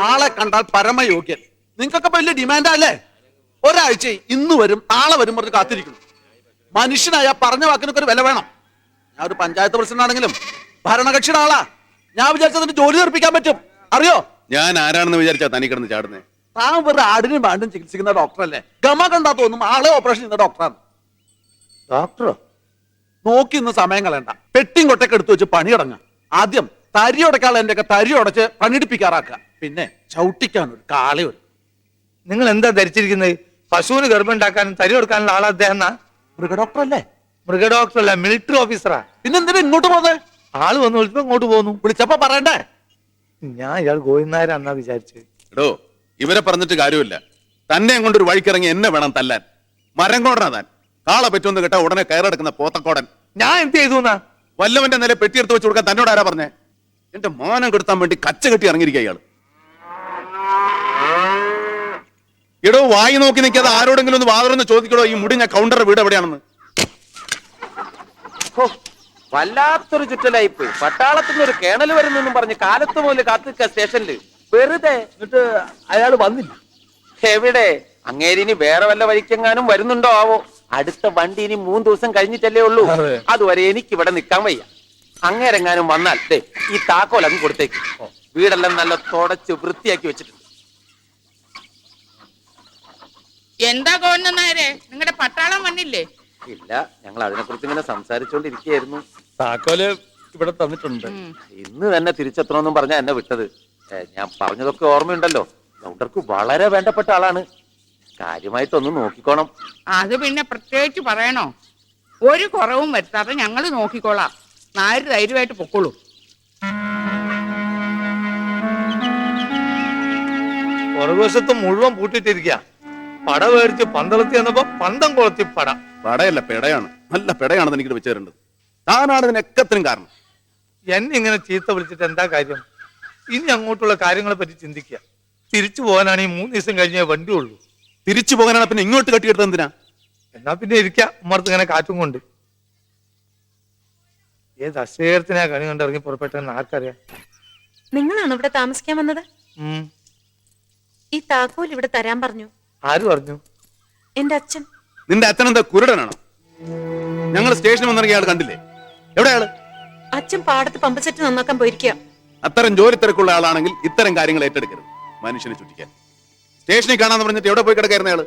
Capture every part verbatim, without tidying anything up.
ആളെ കണ്ടാൽ പരമയോഗ്യൻ. നിങ്ങൾക്കൊക്കെ വലിയ ഡിമാൻഡാ അല്ലേ? ഒരാഴ്ച ഇന്ന് വരും നാളെ വരും പറഞ്ഞ് കാത്തിരിക്കുന്നു. മനുഷ്യനായ പറഞ്ഞ വാക്കിനൊക്കെ ഒരു വില വേണം. ഞാൻ ഒരു പഞ്ചായത്ത് പ്രസിഡന്റ് ആണെങ്കിലും ഭരണകക്ഷിയുടെ ആളാ. ഞാൻ വിചാരിച്ചതിന് ജോലി തീർപ്പിക്കാൻ പറ്റും. അറിയോ ഞാൻ ആരാണെന്ന് വിചാരിച്ചാ തനി കിടന്ന് ചാടുന്നേ? താൻ വെറുതെ ആടിനും പാണ്ടും ചികിത്സിക്കുന്ന ഡോക്ടറല്ലേ? ഗമ കണ്ടാ തോന്നും ആളെ ഓപ്പറേഷൻ ചെയ്യുന്ന ഡോക്ടറാണ്. ഡോക്ടറോ? നോക്കി ഇന്ന് സമയം കളയണ്ട. പെട്ടിയും കൊട്ടൊക്കെ എടുത്തു വെച്ച് പണി തുടങ്ങാം. ആദ്യം തരി ഉടക്കാൾ എന്റെ ഒക്കെ തരി ഉടച്ച് പണിയെടുപ്പിക്കാറാക്കുക. പിന്നെ ചവിട്ടിക്കാൻ ഒരു കാളി ഒരു. നിങ്ങൾ എന്താ ധരിച്ചിരിക്കുന്നത്? പശുവിന് ഗർഭമുണ്ടാക്കാനും തരി കൊടുക്കാനുള്ള ആളാ അദ്ദേഹം? മൃഗ ഡോക്ടറല്ലേ? മൃഗ ഡോക്ടറല്ല, മിലിറ്ററി ഓഫീസറാ. പിന്നെന്തിനാ ഇങ്ങോട്ട് പോന്നെ? ആള് വന്നു വിളിച്ചപ്പോ ഇങ്ങോട്ട് പോന്നു. വിളിച്ചപ്പോ പറയണ്ടേ? ഞാൻ ഇയാൾ ഗോവിന്ദനായരാന്നാ വിചാരിച്ചത്. എടോ, ഇവരെ പറഞ്ഞിട്ട് കാര്യമില്ല. തന്നെ കൊണ്ടൊരു വഴിക്കിറങ്ങി എന്നെ വേണം തല്ലാൻ. മരം കോടനാ താൻ. കാളെ പറ്റുമെന്ന് കേട്ടാ ഉടനെ കയറെടുക്കുന്ന പോത്തക്കോടൻ. ഞാൻ എന്ത് ചെയ്തു? വല്ലവന്റെ നില പെട്ടിയെടുത്ത് വെച്ച് കൊടുക്കാൻ തന്നോട് ആരാ പറഞ്ഞേ? എന്റെ മോനം കെടുത്താൻ വേണ്ടി കച്ച കെട്ടി ഇറങ്ങിയിരിക്കുക ഇയാള്. എടോ, വായി നോക്കി നിൽക്കാതെ ആരോടെങ്കിലും ഒന്ന് വാതറൊന്ന് ചോദിക്കടോ, ഈ മുടിഞ്ഞ കൗണ്ടറുടെ വീട് എവിടെയാണെന്ന്. വല്ലാത്തൊരു ചുറ്റലായിപ്പോയി. പട്ടാളത്തിൽ നിന്ന് ഒരു കേണൽ വരുന്നെന്നും പറഞ്ഞ് കാലത്ത് മുതൽ കാത്തിക്ക സ്റ്റേഷനില് വെറുതെ. എന്നിട്ട് അയാൾ വന്നില്ല. എവിടെ? അങ്ങേരിനി വേറെ വല്ല വഴിക്കെങ്ങാനും വരുന്നുണ്ടോ ആവോ? അടുത്ത വണ്ടി ഇനി മൂന്ന് ദിവസം കഴിഞ്ഞിട്ടല്ലേ ഉള്ളൂ. അതുവരെ എനിക്ക് ഇവിടെ നിൽക്കാൻ വയ്യ. അങ്ങേരെങ്ങാനും വന്നാൽ ദേ ഈ താക്കോൽ അങ്ങ് കൊടുത്തേക്ക്. വീടെല്ലാം നല്ല തുടച്ച് വൃത്തിയാക്കി വെച്ചിട്ടുണ്ട്. എന്താ ഗോവിന്ദനായരെ, നിങ്ങളുടെ പട്ടാളം വന്നില്ലേ? ഇല്ല, ഞങ്ങൾ അതിനെ കുറിച്ച് ഇങ്ങനെ സംസാരിച്ചുകൊണ്ടിരിക്കുകയായിരുന്നു. താക്കോല് ഇവിടെ തന്നിട്ടുണ്ട്. ഇന്ന് തന്നെ തിരിച്ചെത്തണമെന്നും പറഞ്ഞാ എന്നെ വിട്ടത്. ഞാൻ പറഞ്ഞതൊക്കെ ഓർമ്മയുണ്ടല്ലോ. ഗൗണ്ടർക്ക് വളരെ വേണ്ടപ്പെട്ട ആളാണ്. കാര്യമായിട്ടൊന്ന് നോക്കിക്കോണം. അത് പിന്നെ പ്രത്യേകിച്ച് പറയണോ? ഒരു കുറവും വരുത്താതെ ഞങ്ങൾ നോക്കിക്കോളാം. നായര് ധൈര്യമായിട്ട് പൊക്കോളൂ. പുറകുവശത്ത് മുഴുവൻ പൂട്ടിട്ടിരിക്കുക. പട മേടിച്ച് പന്തളത്തി വന്നപ്പോ പന്തം കൊളത്തി പട. പടയല്ല, പെടയാണ്. നല്ല പെടയാണെന്ന് എനിക്ക് വെച്ചു തരേണ്ടത്. താനാണ് ഇതിനൊക്കത്തിനും കാരണം. എന്നെ ഇങ്ങനെ ചീത്ത വിളിച്ചിട്ട് എന്താ കാര്യം? ഇനി അങ്ങോട്ടുള്ള കാര്യങ്ങളെ പറ്റി ചിന്തിക്കുക. തിരിച്ചു പോകാനാണ് ഈ മൂന്ന് ദിവസം കഴിഞ്ഞേ വണ്ടി ഉള്ളൂ. തിരിച്ചു പോകാനാണ് പിന്നെ ഇങ്ങോട്ട് കെട്ടിയെടുത്തത് എന്തിനാ? എന്നാ പിന്നെ ഇരിക്കാം ഉമ്മർത്ത് ഇങ്ങനെ കാറ്റും കൊണ്ട്. ഏത് അശ്വേരത്തിനാ കണി കണ്ട് ഇറങ്ങി പുറപ്പെട്ടെന്ന് ആർക്കറിയാം. നിങ്ങളാണ് ഇവിടെ താമസിക്കാൻ വന്നത്? ഈ താക്കോൽ ഇവിടെ തരാൻ പറഞ്ഞു. ആര് പറഞ്ഞു? എന്റെ അച്ഛൻ. നിന്റെ അച്ഛനെന്താ കുരുടനാണോ? ഞങ്ങൾ സ്റ്റേഷനിൽ വന്നിറങ്ങിയ ആൾ കണ്ടില്ലേ? എവിടെയാള്? അച്ഛൻ പാടത്ത് പമ്പ് സെറ്റ് നന്നാക്കാൻ പോയിരിക്കുക. അത്തരം ജോലി തിരക്കുള്ള ആളാണെങ്കിൽ ഇത്തരം കാര്യങ്ങൾ ഏറ്റെടുക്കരുത്. മനുഷ്യനെ ചുറ്റിക്കാൻ സ്റ്റേഷനിൽ കാണാന്ന് പറഞ്ഞിട്ട് എവിടെ പോയി കിടക്കായിരുന്ന ആള്?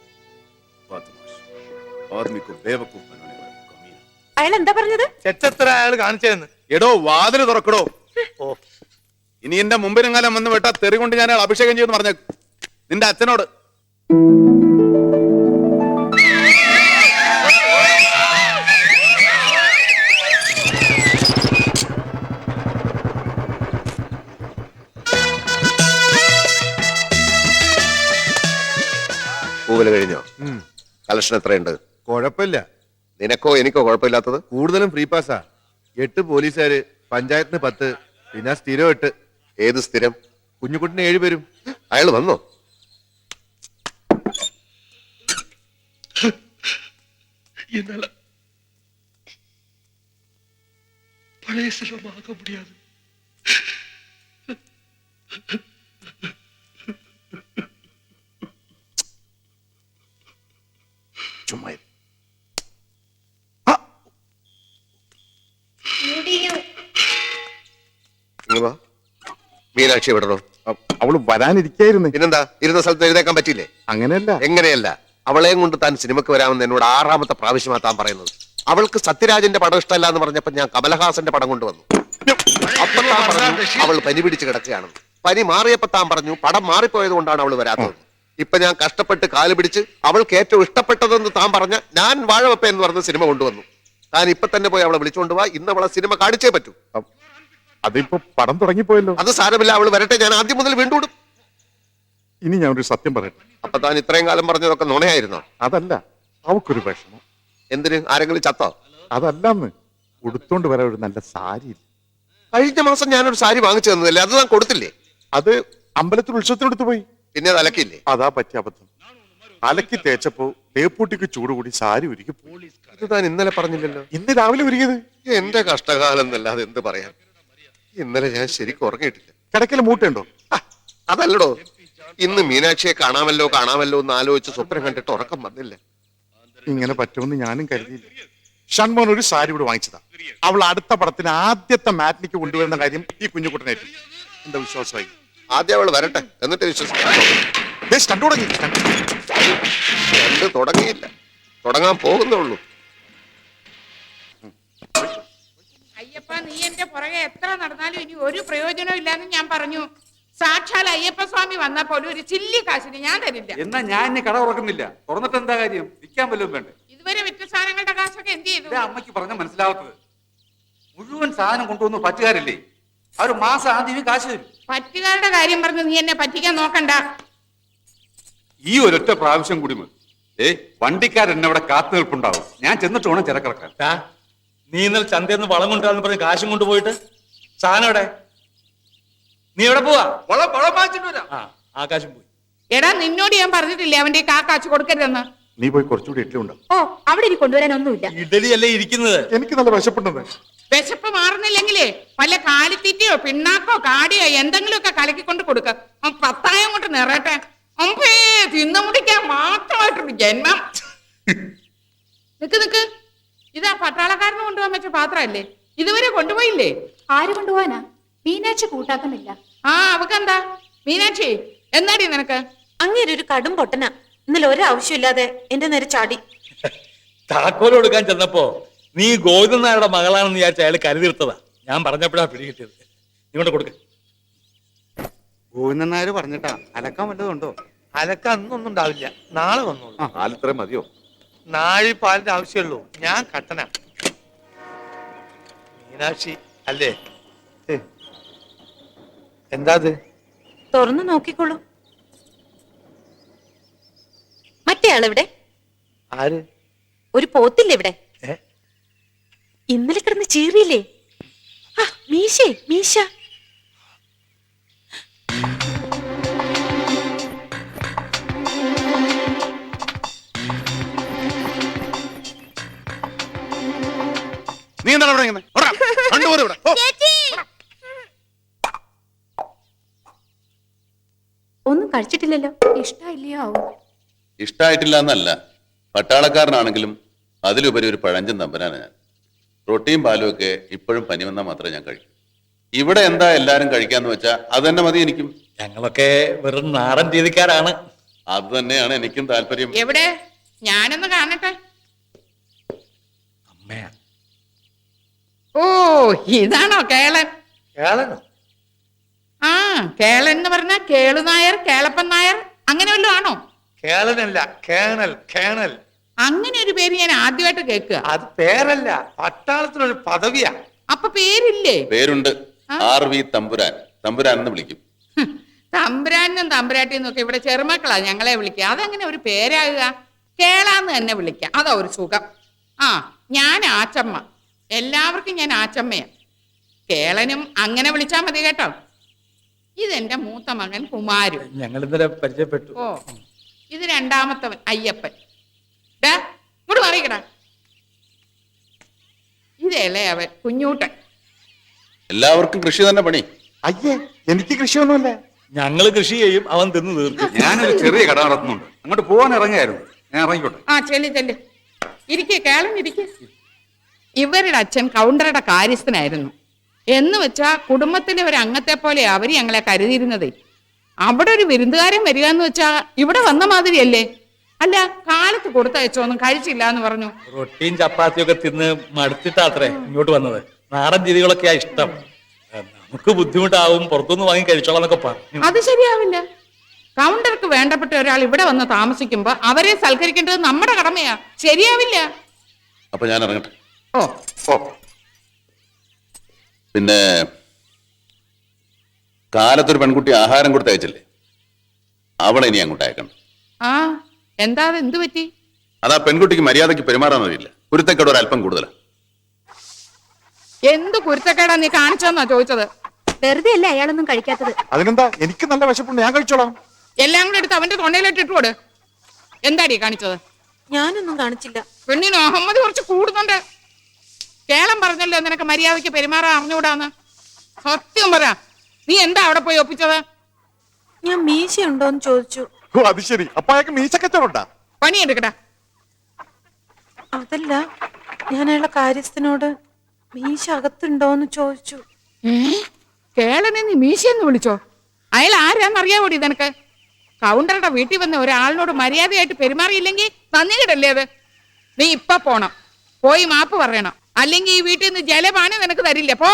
അയാൾ എന്താ പറഞ്ഞത്? ചെച്ചത്ര അയാൾ കാണിച്ചതെന്ന്. എടോ, വാതില് തുറക്കടോ. ഓ, ഇനി എന്റെ മുമ്പിനെങ്ങാലും വന്ന് വിട്ടാ തെറി കൊണ്ട് ഞാൻ അഭിഷേകം ചെയ്യുമെന്ന് പറഞ്ഞ നിന്റെ അച്ഛനോട്. പൂവല് കഴിഞ്ഞോ? കളക്ഷൻ എത്രയുണ്ട്? കുഴപ്പമില്ല. നിനക്കോ എനിക്കോ കുഴപ്പമില്ലാത്തത്? കൂടുതലും ഫ്രീ പാസ്സാ. എട്ട് പോലീസുകാര്, പഞ്ചായത്തിന് പത്ത്, പിന്നെ സ്ഥിരം എട്ട്. ഏത് സ്ഥിരം? കുഞ്ഞുകുട്ടിന് ഏഴ് പേരും. അയാൾ വന്നോ? പഴയ സ്ഥലമാക മുടിയാതെ ചുമ്മാ മീനാക്ഷി വിടണോ? അവള് വരാനിരിക്കായിരുന്നു. പിന്നെന്താ, ഇരുന്ന സ്ഥലത്ത് എഴുതേക്കാൻ പറ്റില്ലേ? അങ്ങനെയല്ല. എങ്ങനെയല്ല? അവളെയും കൊണ്ട് താൻ സിനിമക്ക് വരാമെന്ന് എന്നോട് ആറാമത്തെ പ്രാവശ്യമാ താൻ പറയുന്നത്. അവൾക്ക് സത്യരാജന്റെ പടം ഇഷ്ടമല്ല എന്ന് പറഞ്ഞപ്പോ ഞാൻ കമലഹാസന്റെ പടം കൊണ്ടുവന്നു. അപ്പൊ താൻ പറഞ്ഞു അവൾ പനി പിടിച്ച് കിടക്കുകയാണെന്ന്. പനി മാറിയപ്പോ താൻ പറഞ്ഞു പടം മാറിപ്പോയത് കൊണ്ടാണ് അവൾ വരാത്തത്. ഇപ്പൊ ഞാൻ കഷ്ടപ്പെട്ട് കാല് പിടിച്ച് അവൾക്ക് ഏറ്റവും ഇഷ്ടപ്പെട്ടതെന്ന് താൻ പറഞ്ഞ ഞാൻ വാഴവപ്പ എന്ന് പറഞ്ഞ സിനിമ കൊണ്ടുവന്നു. താൻ ഇപ്പൊ തന്നെ പോയി അവളെ വിളിച്ചുകൊണ്ട് പോവാ. ഇന്ന് അവളെ സിനിമ കാണിച്ചേ പറ്റൂ. അതിപ്പോ പടം തുടങ്ങിപ്പോയല്ലോ. അത് സാരമില്ല, അവൾ വരട്ടെ. ഞാൻ ആദ്യം മുതൽ വീണ്ടും ഇടും. ഇനി ഞാൻ ഒരു സത്യം പറയട്ടെ. അപ്പൊ താൻ ഇത്രയും കാലം പറഞ്ഞതൊക്കെ നുണയായിരുന്നോ? അതല്ല, അവക്കൊരു വിഷമം. എന്തിന്? ആരെങ്കിലും ചത്തോ? അതല്ലെന്ന്, ഉടുത്തോണ്ട് വരാൻ ഒരു നല്ല സാരി. കഴിഞ്ഞ മാസം ഞാനൊരു സാരി വാങ്ങിച്ചു തന്നതല്ലേ, അത് താൻ കൊടുത്തില്ലേ? അത് അമ്പലത്തിൽ ഉത്സവത്തിനെടുത്ത് പോയി. പിന്നെ അത് അലക്കില്ലേ? അതാ പറ്റിയ അബദ്ധം. അലക്കി തേച്ചപ്പോ തേപ്പൂട്ടിക്ക് ചൂട് കൂടി സാരി ഉരുകി. ഇത് താൻ ഇന്നലെ പറഞ്ഞില്ലല്ലോ. ഇന്ന് രാവിലെ ഉരുകിയത്. എന്റെ കഷ്ടകാലം എന്നല്ലാതെ എന്ത് പറയാൻ. ഇന്നലെ ഞാൻ ശരിക്കും ഉറങ്ങിയിട്ടില്ല. കിടക്കൽ മൂട്ടുണ്ടോ? അതല്ലടോ, ഇന്ന് മീനാക്ഷിയെ കാണാമല്ലോ കാണാമല്ലോ എന്ന് ആലോചിച്ച് സ്വപ്നം കണ്ടിട്ട് ഉറക്കം വന്നില്ല. ഇങ്ങനെ പറ്റുമെന്ന് ഞാനും കരുതിയില്ല. ഷൺമോൻ ഒരു സാരി ഇവിടെ വാങ്ങിച്ചതാ. അവൾ അടുത്ത പടത്തിന് ആദ്യത്തെ മാറ്റിനിക്ക് കൊണ്ടുവരുന്ന കാര്യം ഈ കുഞ്ഞുകുട്ടനായിട്ട് എന്റെ വിശ്വാസമായി. ആദ്യം അവൾ വരട്ടെ, എന്നിട്ട് വിശ്വസിക്കാം. സ്റ്റണ്ട് തുടങ്ങി. രണ്ട് തുടങ്ങിയില്ല, തുടങ്ങാൻ പോകുന്നേ ഉള്ളൂ. അയ്യപ്പ, നീ എന്റെ പുറകെ എത്ര നടന്നാലും ഇനി ഒരു പ്രയോജനം ഇല്ലാന്ന് ഞാൻ പറഞ്ഞു. സാക്ഷാൽ അയ്യപ്പ സ്വാമി വന്നാ പോലും ഒരു ചില്ലി കാശിന് ഞാൻ തരില്ല. എന്നാ ഞാൻ എന്നെ കട ഉറക്കുന്നില്ല. തുറന്നിട്ട് എന്താ കാര്യം? വിൽക്കാൻ വല്ലതും വേണ്ടേ? ഇതുവരെ വിറ്റ സാധനങ്ങളുടെ കാശൊക്കെ എന്ത് ചെയ്തു? ഇതാ അമ്മയ്ക്ക് പറഞ്ഞ മനസ്സിലാവാത്തത്. മുഴുവൻ സാധനം കൊണ്ടുവന്ന് പറ്റുകാരല്ലേ, അവർ മാസം ആദ്യമേ കാശ് തരും. പറ്റുകാരുടെ കാര്യം പറഞ്ഞ് നീ എന്നെ പറ്റിക്കാൻ നോക്കണ്ട. ഈ ഒരൊറ്റ പ്രാവശ്യം കൂടി മതി. ഏ വണ്ടിക്കാരൻ അവിടെ കാത്തു നിൽപ്പുണ്ടാവും. ഞാൻ ചെന്നിട്ട് വേണം ചിരക്കിറക്കാൻ. നീ ഇന്നലെ ചന്തയിൽ നിന്ന് വളം കൊണ്ടുവരാന്ന് പറഞ്ഞ് കാശും കൊണ്ടുപോയിട്ട് സാധനം എവിടെ? നീ എവിടെ പോവാ? വളം വളം വാങ്ങിച്ചിട്ട് വരാം. ആ ആകാശം പോയി. എടാ, നിന്നോട് ഞാൻ പറഞ്ഞിട്ടില്ലേ അവന്റെ കാ കാശ് കൊടുക്കരുതെന്ന്? നീ പോയി കുറച്ചുകൂടി ഇഡ്ഡലി ഉണ്ടാവും. ഓ, അവിടെ ഇനി കൊണ്ടുവരാനൊന്നുമില്ല. ഇഡലി അല്ലേ ഇരിക്കുന്നത്. എനിക്ക് നല്ല വിശപ്പുണ്ടെന്ന്. വിശപ്പ് മാറുന്നില്ലെങ്കിലേ വല്ല കാലിത്തീറ്റയോ പിണ്ണാക്കോ കാടിയോ എന്തെങ്കിലുമൊക്കെ കലക്കിക്കൊണ്ട് കൊടുക്ക. പത്തായം കൊണ്ട് നിറയട്ടെ. അമ്പേ, തിന്നു മുടിക്കാൻ മാത്രമായിട്ടുണ്ട് ജന്മം. നിക്ക് നിക്ക്, ഇതാ പട്ടാളക്കാരന് കൊണ്ടുപോകാൻ പറ്റിയ പാത്രമല്ലേ? ഇതുവരെ കൊണ്ടുപോയില്ലേ? ആര് കൊണ്ടുപോവാനാ? മീനാക്ഷി കൂട്ടാക്കുന്നില്ല. ആ, അവക്കെന്താ? മീനാക്ഷി, എന്നാടി നിനക്ക്? അങ്ങേര് ഒരു കടും പൊട്ടനാ. ഇന്നലെ ഒരാവശ്യമില്ലാതെ എന്റെ നേരെ ചാടി. താക്കോൽ കൊടുക്കാൻ ചെന്നപ്പോ നീ ഗോവിന്ദൻ നായരുടെ മകളാണെന്ന് വിചാരിച്ച അയാൾ കരുതിർത്തതാ. ഞാൻ പറഞ്ഞപ്പോഴാ പിടി കിട്ടിയത്. നീ കൊണ്ട് കൊടുക്ക. ഗോവിന്ദൻ നായർ പറഞ്ഞിട്ടാ അലക്കാൻ വല്ലതും ഉണ്ടോ? അലക്ക അന്നൊന്നും ഉണ്ടാവില്ല, നാളെ വന്നോളൂ. പാലിത്രേ മതിയോ? നാഴി പാലിന്റെ ആവശ്യമുള്ളൂ. ഞാൻ കട്ടന. മീനാക്ഷി അല്ലേ? എന്താ അത്? തുറന്നു നോക്കിക്കോളൂ. മറ്റേ ആളെവിടെ? ആര്? ഒരു പോത്തില്ലേ ഇവിടെ? ഏ? ഇന്നലെ കിടന്ന് ചീറിയില്ലേ? ആ, മീശേ മീശ. നീ എന്താണ് ഇവിടെ ഇങ്ങനെ? ഓടാ, കണ്ടുപോരെ ഇവിടെ. ഓ. ഒന്നും കഴിച്ചിട്ടില്ലല്ലോ. ഇഷ്ടമില്ലയോ? ഇഷ്ടായിട്ടില്ല എന്നല്ല, പട്ടാളക്കാരനാണെങ്കിലും അതിലുപരി ഒരു പഴഞ്ചൻ തമ്പനാണ് ഞാൻ. റൊട്ടിയും പാലും ഒക്കെ ഇപ്പോഴും പനി വന്നാൽ മാത്രമേ ഞാൻ കഴിക്കൂ. ഇവിടെ എന്താ എല്ലാരും കഴിക്കാന്ന് വെച്ചാ അത് തന്നെ മതി എനിക്കും. ഞങ്ങളൊക്കെ വെറും നാടൻ രീതിക്കാരാണ്. അത് തന്നെയാണ് എനിക്കും താല്പര്യം. എവിടെ? ഞാനൊന്ന് കാണട്ടെ. അമ്മയാ. ഓ, ഇതാണോ കേളൻ? കേളനോ? ആ, കേളൻ എന്ന് പറഞ്ഞാ കേളു നായർ, കേളപ്പൻ നായർ അങ്ങനെ വല്ലതും ആണോ? കേളനല്ല, കേണൽ. കേണൽ അങ്ങനെ ഒരു പേര് ഞാൻ ആദ്യമായിട്ട് കേൾക്കുക. അത് പേരല്ല, പട്ടാളത്തിനൊരു പദവിയാ. അപ്പൊ പേരില്ലേ? പേരുണ്ട്, ആർ വി തമ്പുരാൻ. തമ്പുരാൻ എന്ന് വിളിക്കും. തമ്പുരാനും തമ്പുരാട്ടിന്നും ഒക്കെ ഇവിടെ ചെറുമക്കളാ ഞങ്ങളെ വിളിക്കുക. അതെങ്ങനെ ഒരു പേരാകുക? കേളാന്ന് തന്നെ വിളിക്കാം, അതാ ഒരു സുഖം. ആ, ഞാൻ ആച്ചമ്മ. എല്ലാവർക്കും ഞാൻ ആച്ചമ്മയാ. കേളനും അങ്ങനെ വിളിച്ചാ മതി കേട്ടോ. ഇതെന്റെ മൂത്ത മകൻ കുമാരു. ഞങ്ങൾ ഇന്നലെ പരിചയപ്പെട്ടു. ഓ, ഇത് രണ്ടാമത്തവൻ അയ്യപ്പൻ. ഡാ, ഇങ്ങോട്ട് മാറിക്കടാ. ഇതല്ലേ അവൻ കുഞ്ഞൂട്ടൻ. എല്ലാവർക്കും കൃഷി തന്നെ പണി. അയ്യേ, എനിക്ക് കൃഷിയൊന്നുമില്ല. ഞങ്ങള് കൃഷി ചെയ്യും, അവൻ തിന്ന് തീർക്കും. ഞാനൊരു ചെറിയ കട നടത്തുന്നുണ്ട്, അങ്ങോട്ട് പോകാൻ ഇറങ്ങിയായിരുന്നു. ഞാൻ ഇറങ്ങിക്കോട്ടെ. ആ, ചെല്ലി ചെല്ലി ഇരിക്കേ, കേളം ഇരിക്കേ. ഇവരുടെ അച്ഛൻ കൗണ്ടറുടെ കാര്യസ്ഥനായിരുന്നു. എന്ന് വെച്ചാ കുടുംബത്തിലെ ഒരു അംഗത്തെ പോലെ അവര് ഞങ്ങളെ കരുതിയിരുന്നത്. അവിടെ ഒരു വിരുന്നുകാരൻ വരിക എന്ന് വെച്ചാ ഇവിടെ വന്ന മാതിരിയല്ലേ? അല്ല, കാലത്ത് കൊടുത്തയച്ചോന്നും കഴിച്ചില്ല എന്ന് പറഞ്ഞു. റൊട്ടിയും ചപ്പാത്തിയും ഒക്കെ തിന്ന് മടുത്തിട്ടാത്രേ ഇങ്ങോട്ട് വന്നത്. നാടൻ രീതികളൊക്കെയാ ഇഷ്ടം. നമുക്ക് ബുദ്ധിമുട്ടാവും, പുറത്തുനിന്ന് വാങ്ങി കഴിച്ചോളാം എന്നൊക്കെ പറഞ്ഞു. അത് ശരിയാവില്ല. കൗണ്ടർക്ക് വേണ്ടപ്പെട്ട ഒരാൾ ഇവിടെ വന്ന് താമസിക്കുമ്പോ അവരെ സൽക്കരിക്കേണ്ടത് നമ്മുടെ കടമയാ. ശരിയാവില്ല. അപ്പൊ ഞാൻ ഇറങ്ങട്ടെ. ഓ ഓ പിന്നെ കാലത്തൊരു പെൺകുട്ടി ആഹാരം കൊടുത്ത് അയച്ചില്ലേ, അവളെ ഇനി അങ്ങോട്ട് അയക്കണം. ആ, എന്താ അത്? എന്ത് പറ്റി? അതാ പെൺകുട്ടിക്ക് മര്യാദയ്ക്ക് പെരുമാറാൻ അറിയില്ല. കുരുത്തക്കേട് ഒരു അല്പം കൂടുതലാണ്. എന്ത് കുരുത്തക്കേടാ നീ കാണിച്ചെന്നാ ചോദിച്ചത്? വെറുതെ അല്ല അയാളൊന്നും കഴിക്കാത്തത്. അതിനെന്താ, എനിക്ക് നല്ല വിശപ്പുണ്ട്, ഞാൻ കഴിച്ചോളാം. എല്ലാം കൂടെ എടുത്ത് അവന്റെ തൊണ്ടയിലിട്ട് ഇട്ടുകൊട്. എന്താടി കാണിച്ചത്? ഞാനൊന്നും കാണിച്ചില്ല. പെണ്ണിന് അഹമ്മദ് കുറച്ച് കൂടുന്നുണ്ട്. കേളം പറഞ്ഞല്ലോ നിനക്ക് മര്യാദയ്ക്ക് പെരുമാറാൻ അറിഞ്ഞുകൂടാന്ന്. സത്യം പറ, നീ എന്താ അവിടെ പോയി ഒപ്പിച്ചത്? ഞാൻ മീശ ഉണ്ടോന്ന് ചോദിച്ചു. ഓ അത് ശരി, അപ്പൊ അയാൾക്ക് മീശക്കച്ചവടാ? പണിയെടുക്കടാ. അതല്ല, ഞാൻ അയാളെ കാര്യസ്ഥനോട് മീശ അകത്തുണ്ടോന്ന് ചോദിച്ചു. ഏ കേളനെ നീ മീശയെന്ന് വിളിച്ചോ? അയാൾ ആരാന്നറിയാവോടി നിനക്ക്? കൗണ്ടറുടെ വീട്ടിൽ വന്ന ഒരാളിനോട് മര്യാദയായിട്ട് പെരുമാറിയില്ലെങ്കിൽ നന്ദികേടല്ലേ അത്? നീ ഇപ്പൊ പോണം, പോയി മാപ്പ് പറയണം, അല്ലെങ്കിൽ ഈ വീട്ടിൽ നിന്ന് ജലപാനം നിനക്ക് തരില്ല. പോ.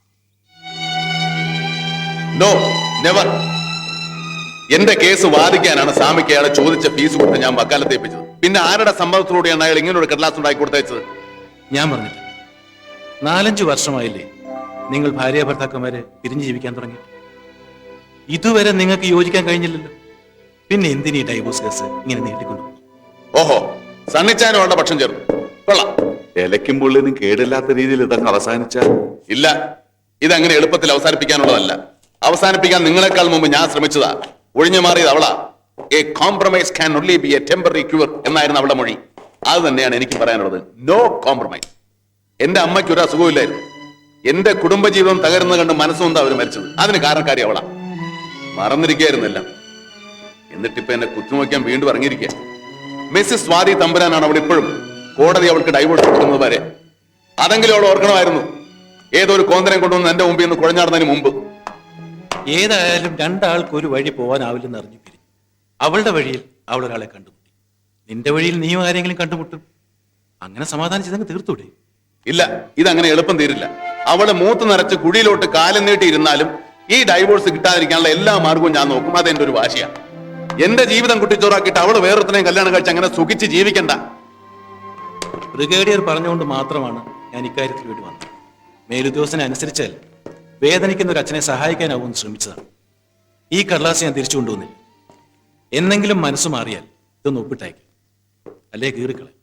No never. എന്റെ കേസ് വാദിക്കാനാണ് സ്വാമിക്ക് അയാളെ ചോദിച്ച ഫീസ് കൊടുത്ത് ഞാൻ വക്കാലത്ത് ഏൽപ്പിച്ചത്. പിന്നെ ആരുടെ സമ്മതത്തോടെയാണ് അയാൾ ഇങ്ങനെ ഒരു കടലാസ് ഉണ്ടാക്കി കൊടുത്തയച്ചത്? ഞാൻ പറഞ്ഞില്ല, നാലഞ്ചു വർഷമായില്ലേ നിങ്ങൾ ഭാര്യ ഭർത്താക്കന്മാരെ പിരിഞ്ഞു ജീവിക്കാൻ തുടങ്ങി. ഇതുവരെ നിങ്ങൾക്ക് യോജിക്കാൻ കഴിഞ്ഞില്ലല്ലോ. പിന്നെ എന്തിനീ ഡൈവോഴ്സ് കേസ് ഇങ്ങനെ നീട്ടിക്കൊണ്ടു? ഓഹോ, സണ്ണിച്ചാനുള്ള പക്ഷം ചേർന്നു. കൊള്ളാം. ഇലയ്ക്കും പുള്ളിനും കേടില്ലാത്ത രീതിയിൽ ഇതങ്ങ് അവസാനിച്ച ഇല്ല, ഇതങ്ങനെ എളുപ്പത്തിൽ അവസാനിപ്പിക്കാനുള്ളതല്ല. അവസാനിപ്പിക്കാൻ നിങ്ങളെക്കാൾ മുമ്പ് ഞാൻ ശ്രമിച്ചതാ. ഒഴിഞ്ഞു മാറിയത് അവളാ. A compromise can only be a temporary cure എന്നായിരുന്നു അവളുടെ മൊഴി. അത് തന്നെയാണ് എനിക്ക് പറയാനുള്ളത്. No compromise. എന്റെ അമ്മയ്ക്ക് ഒരു അസുഖമില്ലായിരുന്നു. എന്റെ കുടുംബജീവിതം തകരുന്ന കണ്ട് മനസ്സുകൊണ്ടാ അവർ മരിച്ചത്. അതിന് കാരണക്കാരി അവളാ. മറന്നിരിക്കുകയായിരുന്നില്ല. എന്നിട്ടിപ്പോ എന്നെ കുത്തുനോക്കാൻ വീണ്ടും ഇറങ്ങിയിരിക്കുക. മിസ്സിസ് സ്വാതി തമ്പുരാനാണ് അവൾ ഇപ്പോഴും. കോടതി അവൾക്ക് ഡൈവോഴ്സ് കൊടുക്കുന്നത് വരെ. അതെങ്കിലും അവൾ ഓർക്കണമായിരുന്നു. ഏതൊരു കോന്തനെ കൊണ്ടുവന്ന് എന്റെ മുമ്പിൽ നിന്ന് കുഴഞ്ഞാടുന്നതിന് മുമ്പ്. ഏതായാലും രണ്ടാൾക്ക് ഒരു വഴി പോകാനാവില്ലെന്ന് അറിഞ്ഞു പിരിഞ്ഞു. അവളുടെ വഴിയിൽ അവൾ ഒരാളെ കണ്ടുമുട്ടി. നിന്റെ വഴിയിൽ നീയും ആരെങ്കിലും കണ്ടുമുട്ടും. അങ്ങനെ സമാധാനിച്ചതങ്ങ് തീർത്തൂടെ? ഇല്ല, ഇതങ്ങനെ എളുപ്പം തീരില്ല. അവള് മൂത്ത് നിറച്ച് കുഴിയിലോട്ട് കാലം നീട്ടിയിരുന്നാലും ഈ ഡൈവോഴ്സ് കിട്ടാതിരിക്കാനുള്ള എല്ലാ മാർഗവും ഞാൻ നോക്കും. അതെന്റെ ഒരു വാശിയാണ്. എന്റെ ജീവിതം കുട്ടിച്ചോറാക്കിയിട്ട് അവള് വേറൊരുത്തനെയും കല്യാണം കഴിച്ച് അങ്ങനെ സുഖിച്ച് ജീവിക്കണ്ട. ബ്രിഗേഡിയർ പറഞ്ഞുകൊണ്ട് മാത്രമാണ് ഞാൻ ഇക്കാര്യത്തിൽ വേണ്ടി വന്നത്. മേലുദ്യോഗസ്ഥനെ അനുസരിച്ചാൽ വേദനിക്കുന്ന ഒരു അച്ഛനെ സഹായിക്കാനാവും ശ്രമിച്ചതാണ്. ഈ കടലാസ് ഞാൻ തിരിച്ചു കൊണ്ടുവന്നില്ല. എന്നെങ്കിലും മനസ്സ് മാറിയാൽ ഇതൊന്ന് ഒപ്പിട്ടയക്കും, അല്ലേ കീറിക്കളെ.